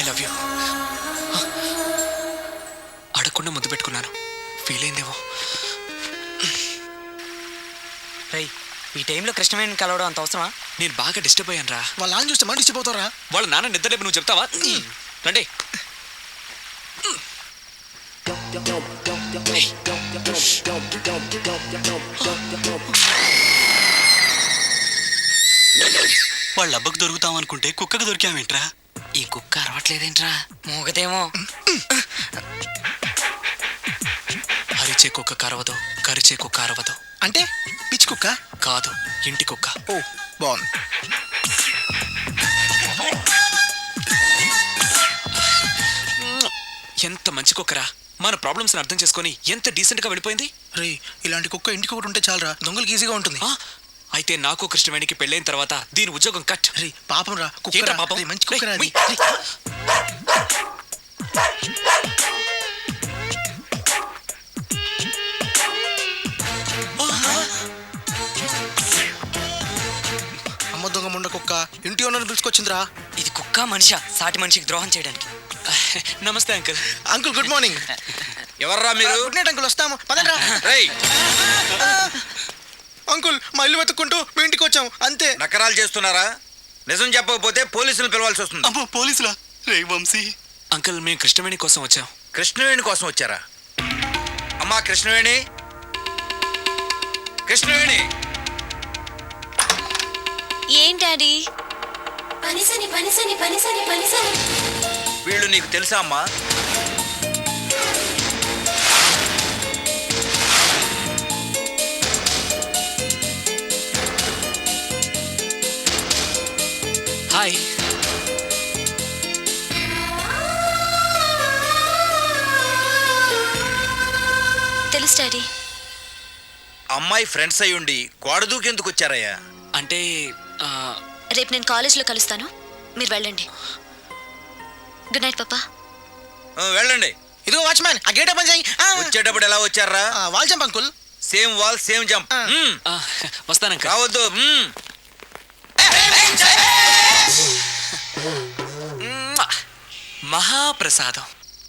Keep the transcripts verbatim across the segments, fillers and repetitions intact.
I love you. అడగకుండా ముద్దు పెట్టుకున్నాను, ఫీల్ అయిందేమో. రై, ఈ టైంలో కృష్ణవేణిని కలవడం అంత అవసరమా? నేను బాగా డిస్టర్బ్ అయ్యాను రా. వాళ్ళ నాన్న చూస్తే మనం డిస్టర్బ్ అవుతారా? వాళ్ళ నాన్న నిద్రలేపు, నువ్వు చెప్తావా? రండి. వాళ్ళ అబ్బకు దొరుకుతాం అనుకుంటే కుక్కకు దొరికామేంట్రా? ఈ కుక్క అరవట్లేదేంట్రా? మూగదేమో. అరిచే కుక్క కరవదు, కరిచే కుక్క అరవదు. అంటే పిచ్చి కుక్క కాదు, ఇంటి కుక్క. ఓ బాగుంది. ఎంత మంచి కుక్కరా, మన ప్రాబ్లమ్స్ అర్థం చేసుకొని ఎంత డీసెంట్ గా వెళ్ళిపోయింది. రే, ఇలాంటి కుక్క ఇంటికి ఒకటి ఉంటే చాలరా, దొంగలకి ఈజీగా ఉంటుంది. అయితే నాకు కృష్ణవేణికి పెళ్ళైన తర్వాత దీని ఉద్యోగం కట్. రే పాపం రా, కుక్క పాపం. మంచి కుక్క రా. అమ్మ దొంగ ముండ కుక్క ఇంటి ఓనర్ పిలుచుకొచ్చిందిరా. ఇది కుక్క మనిషా సాటి మనిషికి ద్రోహం చేయడానికి? నమస్తే అంకుల్. Uncle good morning. ఎవర్రా మీరు? గుడ్ నైట్ అంకుల్, వస్తాము పదండ్రా. రేయ్, అంకుల్ మా ఇల్లు వెతుక్కుంటూ మీ ఇంటికి వచ్చాం అంతే. నకరాలు చేస్తున్నారా? నిజం చెప్పకపోతే పోలీసులు పిలవాల్సి వస్తుంది. అమ్మో పోలీసులా? రే వంశీ. అంకుల్, మేము కృష్ణవేణి కోసం వచ్చాం. కృష్ణవేణి కోసం వచ్చారా? అమ్మా కృష్ణవేణి, కృష్ణవేణి. ఏం డాడీ? పనిసని పనిసని పనిసని పనిసని. వీళ్ళు నీకు తెలుసా అమ్మా? హాయ్. తెలుసు డాడీ. అమ్మాయి ఫ్రెండ్స్ అయ్యుండి గోడ దూకెందుకు వచ్చారయ్యా? అంటే రేపు నేను కాలేజ్లో కలుస్తాను, మీరు వెళ్ళండి. గుడ్ నైట్ పాపా. వెళ్ళండి. ఇదిగో వాచ్మ్యాన్, ఆ గేట్ ఓపెన్ చేయి. వచ్చేటప్పుడు ఎలా వచ్చారా? Wall jump uncle. Same wall same jump. వస్తాను అంకుల్. రావద్దు. మహాప్రసాదం.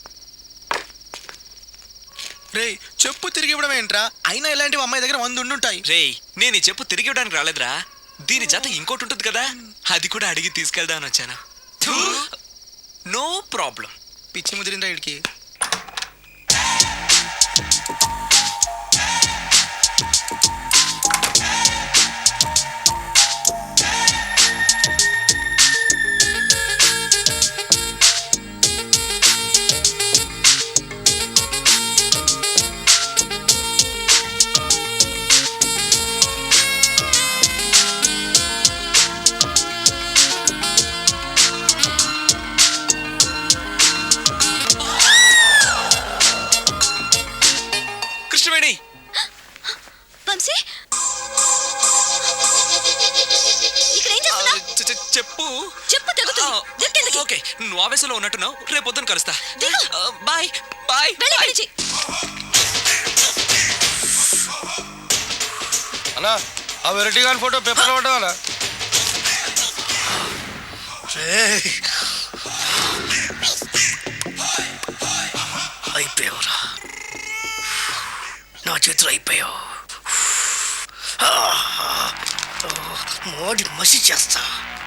రే చెప్పు తిరిగి ఇవ్వడం ఏంట్రా? అయినా ఇలాంటివి అమ్మాయి దగ్గర వంద ఉండుంటాయి. రే, నేను ఈ చెప్పు తిరిగి ఇవ్వడానికి రాలేదురా, దీని జత ఇంకోటి ఉంటుంది కదా, అది కూడా అడిగి తీసుకెళ్దామని వచ్చాను. No problem. పిచ్చి ముదిరిందా వీడికి. కృష్ణవేణి. వంశీ, ఇక్కడ ఏం చేస్తున్నావ్? చెప్పు చెప్పు తెగుతుంది. దిక్కెందుకు? ఓకే, నువ్వు ఆవేశంలో ఉన్నట్టున్నావు, రేపు పొద్దున కలుస్తా. దిగు. Bye bye. వెళ్ళి ఇక్కడి నుంచి. అన్నా ఆ వెరైటీ గారి ఫోటో పేపర్ పడ్డా? అయిపోయావురా, నా చేతులు అయిపోయావు. మోడి మసి చేస్తా.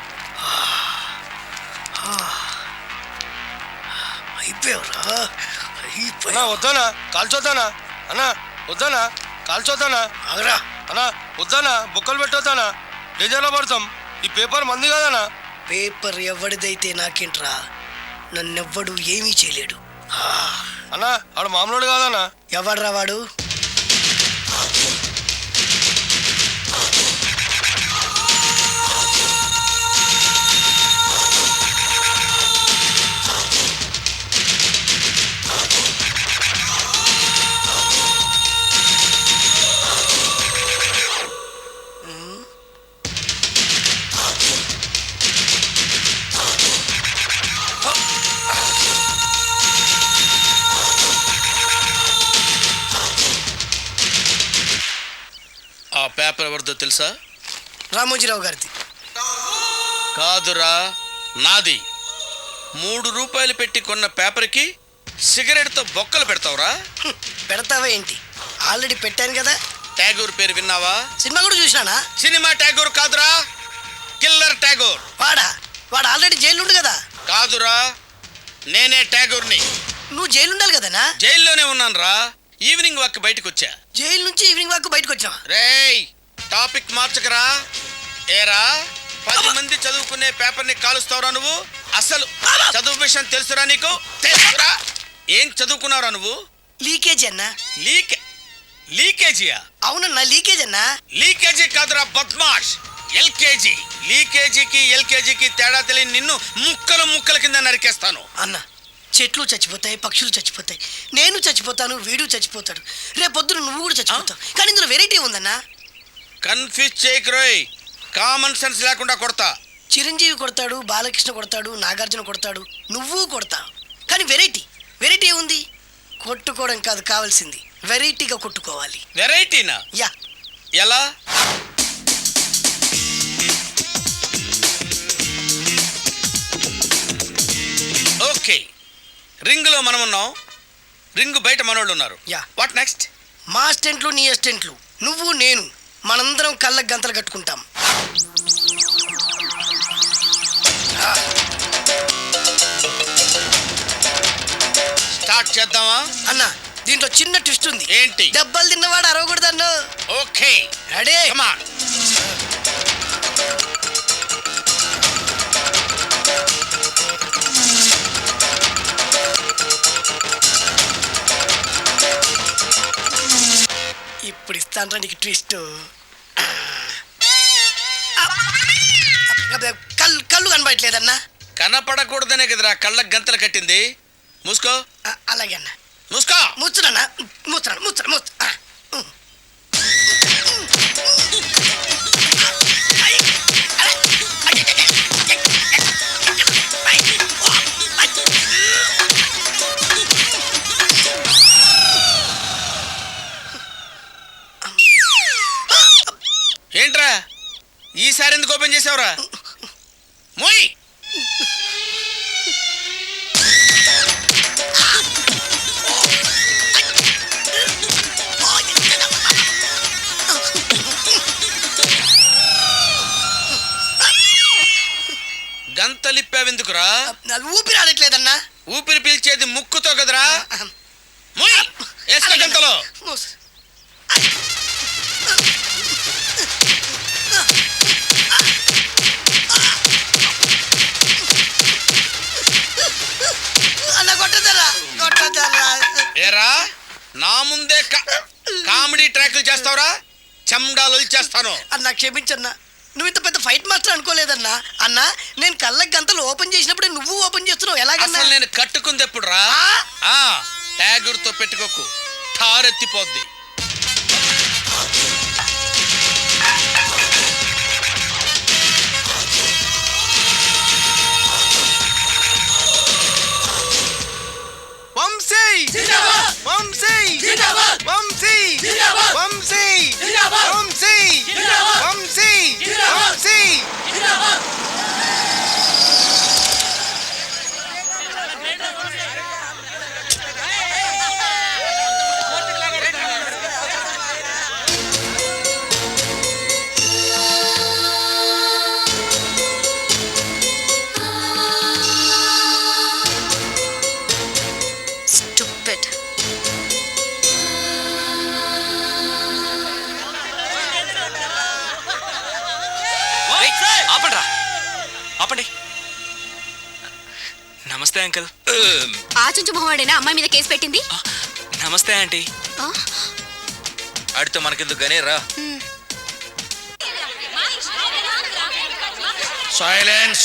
అయిపోయావురా, అన్నా వద్దానా కాల్చొద్దానా? అన్నా వద్దానా కాల్చొద్దానా? ఆగరా. అన్నా వద్దానా బుక్కలు పెట్టొద్దానా? డేంజర్లో పడతాం. ఈ పేపర్ మంది కదనా? పేపర్ ఎవడిదైతే నాకేంట్రా, నన్నెవ్వడు ఏమీ చేయలేడు. అన్నా ఆడు మామూలు కాదన్నా. ఎవడ్రా వాడు? ఆ పేపర్ ఎవరిదో తెలుసా? రామోజీరావు గారిది. కాదురా, నాది. మూడు రూపాయలు పెట్టి కొన్న పేపర్కి సిగరెట్తో బొక్కలు పెడతావురా? పెడతావా ఏంటి? ఆల్రెడీ పెట్టాను కదా. ట్యాగూర్ పేరు విన్నావా? సినిమా కూడా చూసినానా? సినిమా ట్యాగూర్ కాదురా, కిల్లర్ ట్యాగూర్. వాడా? వాడు ఆల్రెడీ జైలు ఉండు కదా. కాదురా, నేనే ట్యాగూర్ని. నువ్వు జైలు ఉండాలి కదనా? జైల్లోనే ఉన్నాను రా. ఈవినింగ్ వాక్ బయటకు వచ్చా. జైలు నుంచి ఈవినింగ్ వాక్ బయటకు వచ్చావా? రేయ్, టాపిక్ మార్చకరా. ఏరా, పది మంది చదువుకునే పేపర్ని కాలుస్తావురా నువ్వు? అసలు చదువు విషయం తెలుసురా నీకు? తెలుసురా? ఏం చదువుకున్నావురా నువ్వు? లీకేజీ అన్నా. లీక్ లీకేజీయా? అవునన్నా, లీకేజ్ అన్నా. లీకేజీ కాదురా బద్మాష్, ఎల్కేజీ. లీకేజీకి ఎల్కేజీకి తేడా తెలియని నిన్ను ముక్కలు ముక్కల కింద నరికేస్తాను. అన్న, చెట్లు చచ్చిపోతాయి, పక్షులు చచ్చిపోతాయి, నేను చచ్చిపోతాను, వీడు చచ్చిపోతాడు, రేపొద్దున నువ్వు కూడా చచ్చిపోతావు. కానీ ఇందులో వెరైటీ ఉందన్నా. కన్ఫ్యూజ్ చేయకురోయ్, కామన్ సెన్స్ లేకుండా కొడతా. చిరంజీవి కొడతాడు, బాలకృష్ణ కొడతాడు, నాగార్జున కొడతాడు, నువ్వు కొడతావు. కానీ వెరైటీ వెరైటీ ఉంది. కొట్టుకోవడం కాదు కావాల్సింది, వెరైటీగా కొట్టుకోవాలి. వెరైటీనా? యా. ఎలా? ఓకే, రింగులో మనం ఉన్నాం, రింగు బయట మనోళ్ళు ఉన్నారు. యా. What next? మా అసిస్టెంట్లు, నీ అసిస్టెంట్లు, నువ్వు నేను, మనందరం కళ్ళకు గంతలు కట్టుకుంటాం. స్టార్ట్ చేద్దామా? అన్న, దీంట్లో చిన్న ట్విస్ట్ ఉంది. ఏంటి? దెబ్బలు తిన్నవాడు అరవకూడదన్న. Okay, ready? Come on. ఇప్పుడు ఇస్తాను నీకు ట్విస్ట్. కళ్ళు కళ్ళు కనబడట్లేదన్నా. కనపడకూడదనే కదరా కళ్ళకు గంతలు కట్టింది. మూసుకో. ఆ, అలాగే అన్న. మూసుకో. ముచ్చునన్నా, ముచ్చున్నాను, ముచ్చును, ముచ్చు. ఆ, ఉమ్. ఏంట్రా ఈసారి ఎందుకు ఓపెన్ చేసావురా? మోయ్. గంతలిప్పావెందుకురా? నా ఊపిరి ఆడట్లేదన్నా. ఊపిరి పీల్చేది ముక్కుతో కదరా. మోయ్, వేసుకో గంతలో. మూసు. అన్న కొట్టదరా, కొట్టదరా. ఏరా, నా ముందే కా- కామెడీ ట్రాక్లు చేస్తావురా? చెమ్డాలు చేస్తాను. అన్న క్షమించన్నా, నువ్వు ఇంత పెద్ద ఫైట్ మాస్టర్ అనుకోలేదన్నా. అన్న, నేను కళ్ళకి గంతలు ఓపెన్ చేసినప్పుడే నువ్వు ఓపెన్ చేస్తున్నావు, ఎలాగన్నా? అసలు నేను కట్టుకుంది ఎప్పుడు రా? ఆ, ట్యాగూర్తో పెట్టుకోకు, ఠారెత్తిపోద్ది. వంశీ వంశీ వంశీ వంశీ వంశీ వంశీ వంశీ. Stupid. ఆపండ్రా, ఆపండి. నమస్తే అంకుల్. ఆచుంచు మొహవాడేనా అమ్మాయి మీద కేసు పెట్టింది? నమస్తే ఆంటీ. ఆ? ఆడితో మనకెందుకు గానీ రా. సైలెన్స్.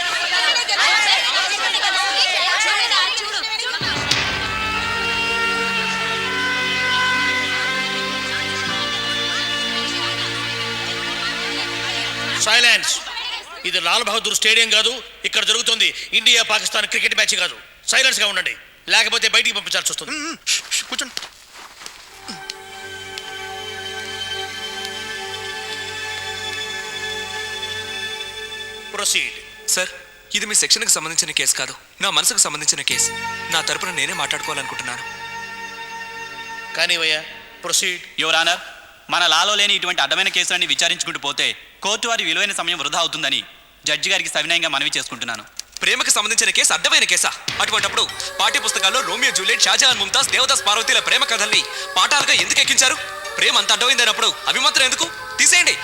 సైలెన్స్. ఇది లాల్ బహదూర్ స్టేడియం కాదు, ఇక్కడ జరుగుతుంది ఇండియా పాకిస్తాన్ క్రికెట్ మ్యాచ్ కాదు. సైలెన్స్ గా ఉండండి, లేకపోతే బయటికి పంపించాల్సి వస్తుంది. కూర్చోండి. ప్రొసీడ్. సార్, ఇది మీ సెక్షన్కి సంబంధించిన కేసు కాదు, నా మనసుకు సంబంధించిన కేసు. నా తరపున నేనే మాట్లాడుకోవాలనుకుంటున్నాను. కానీ భయ్యా ప్రొసీడ్. యువర్ ఆనర్, మన లాలో లేని ఇటువంటి అడ్డమైన కేసులన్నీ విచారించుకుంటూ పోతే కోర్టు వారి విలువైన సమయం వృధా అవుతుందని జడ్జి గారికి సవినయంగా మనవి చేసుకుంటున్నాను. ప్రేమకు సంబంధించిన కేసు అడ్డమైన కేసా? అటువంటప్పుడు పాఠ్య పుస్తకాల్లో రోమియో జూలియట్, షాజహాన్ ముంతాజ్, దేవదాస్ పార్వతీల ప్రేమ కథల్ని పాఠాలుగా ఎందుకు ఎక్కించారు? ప్రేమ అంత అడ్డమైందన్నప్పుడు అవి మాత్రం ఎందుకు? తీసేయండి.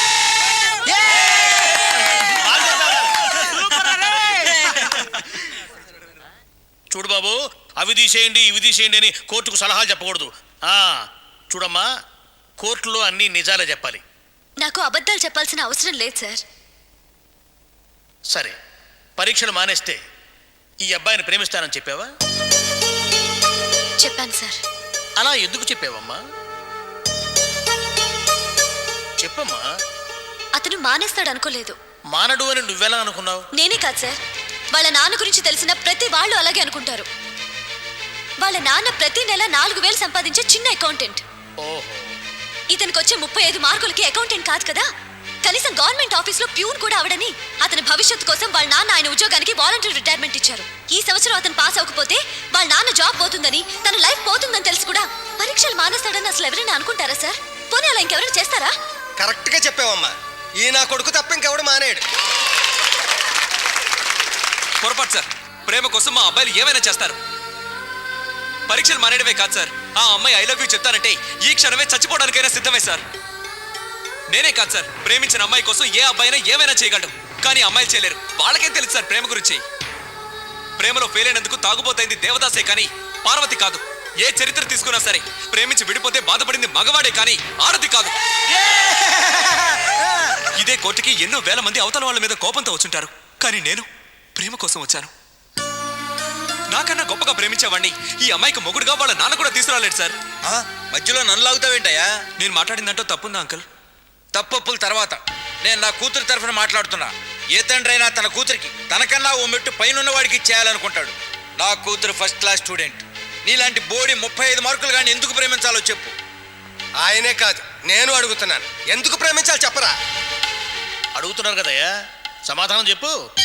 చూడు బాబు, అవి తీసేయండి ఇవి తీసేయండి అని కోర్టుకు సలహాలు చెప్పకూడదు. ఆ చూడమ్మా, కోర్టులో అన్ని నిజాలే చెప్పాలి. నాకు అబద్ధాలు చెప్పాల్సిన అవసరం లేదు సార్. సరే, పరీక్షలు మానేస్తే ఈ అబ్బాయిని ప్రేమిస్తానని చెప్పావా? చెప్పాను సార్. అలా ఎందుకు చెప్పావమ్మా? చెప్పమ్మా. అతను మానేస్తాడు అనుకోలేదు. మానడు అని నువ్వెలా అనుకున్నావు? నేనే కాదు సార్, వాళ్ళ నాన్న గురించి తెలిసిన ప్రతి వాళ్ళు అలాగే అనుకుంటారు. వాళ్ళ నాన్న ప్రతి నెల నాలుగు వేలు సంపాదించే చిన్న అకౌంటెంట్. ఓహో. ఇతనికి వచ్చే ముప్పై ఐదు మార్కులకి అకౌంటెంట్ కాదు కదా, కనీసం గవర్నమెంట్ ఆఫీస్ లో ప్యూన్ కూడా అవడని అతని భవిష్యత్తు కోసం వాళ్ళ నాన్న ఆయన ఉద్యోగానికి వాలంటరీ రిటైర్మెంట్ ఇచ్చారు. ఈ సంవత్సరం అతను పాస్ అవ్వకపోతే వాళ్ళ నాన్న జాబ్ పోతుందని, తన లైఫ్ పోతుందని తెలిసి కూడా పరీక్షలు మానేస్తాడని అసలు ఎవరైనా అనుకుంటారా సార్? పోనీ అలా ఇంకెవరైనా చేస్తారా? కరెక్ట్ గా చెప్పావమ్మా. ఈ నా కొడుకు తప్ప ఇంకెవడు మానేడు. పొరపాటు సార్. ప్రేమ కోసం మా అబ్బాయిలు ఏమైనా చేస్తారు. పరీక్షలు మానేయడమే కాదు సార్, ఆ అమ్మాయి ఐ లవ్ యూ చెప్తానంటే ఈ క్షణమే చచ్చిపోవడానికైనా సిద్ధమే సార్. నేనే కాదు సార్, ప్రేమించిన అమ్మాయి కోసం ఏ అబ్బాయినా ఏమైనా చేయగలడు. కానీ అమ్మాయిలు చేయలేరు. వాళ్ళకేం తెలుసు సార్ ప్రేమ గురించి? ప్రేమలో ఫెయిల్ అయినందుకు తాగుబోతైంది దేవదాసే కానీ పార్వతి కాదు. ఏ చరిత్ర తీసుకున్నా సరే ప్రేమించి విడిపోతే బాధపడింది మగవాడే కానీ ఆరతి కాదు. ఇదే కోర్టుకి ఎన్నో వేల మంది అవతల వాళ్ళ మీద కోపంతో వచ్చుంటారు, కానీ నేను ప్రేమ కోసం వచ్చాను. నాకన్నా గొప్పగా ప్రేమించేవాడిని ఈ అమ్మాయికి మొగుడుగా వాళ్ళ నాన్న కూడా తీసుకురాలేడు సార్. మధ్యలో నన్ను లాగుతావేంటయ్యా? నేను మాట్లాడిందంటో తప్పుందా అంకుల్? తప్పప్పుల తర్వాత నేను నా కూతురు తరఫున మాట్లాడుతున్నా. ఏ తండ్రి అయినా తన కూతురికి తనకన్నా ఓ మెట్టు పైన వాడికి చేయాలనుకుంటాడు. నా కూతురు ఫస్ట్ క్లాస్ స్టూడెంట్. నీలాంటి బోడి ముప్పై ఐదు మార్కులు కానీ ఎందుకు ప్రేమించాలో చెప్పు. ఆయనే కాదు, నేను అడుగుతున్నాను. ఎందుకు ప్రేమించాలి చెప్పరా? అడుగుతున్నారు కదయ్యా, సమాధానం చెప్పు.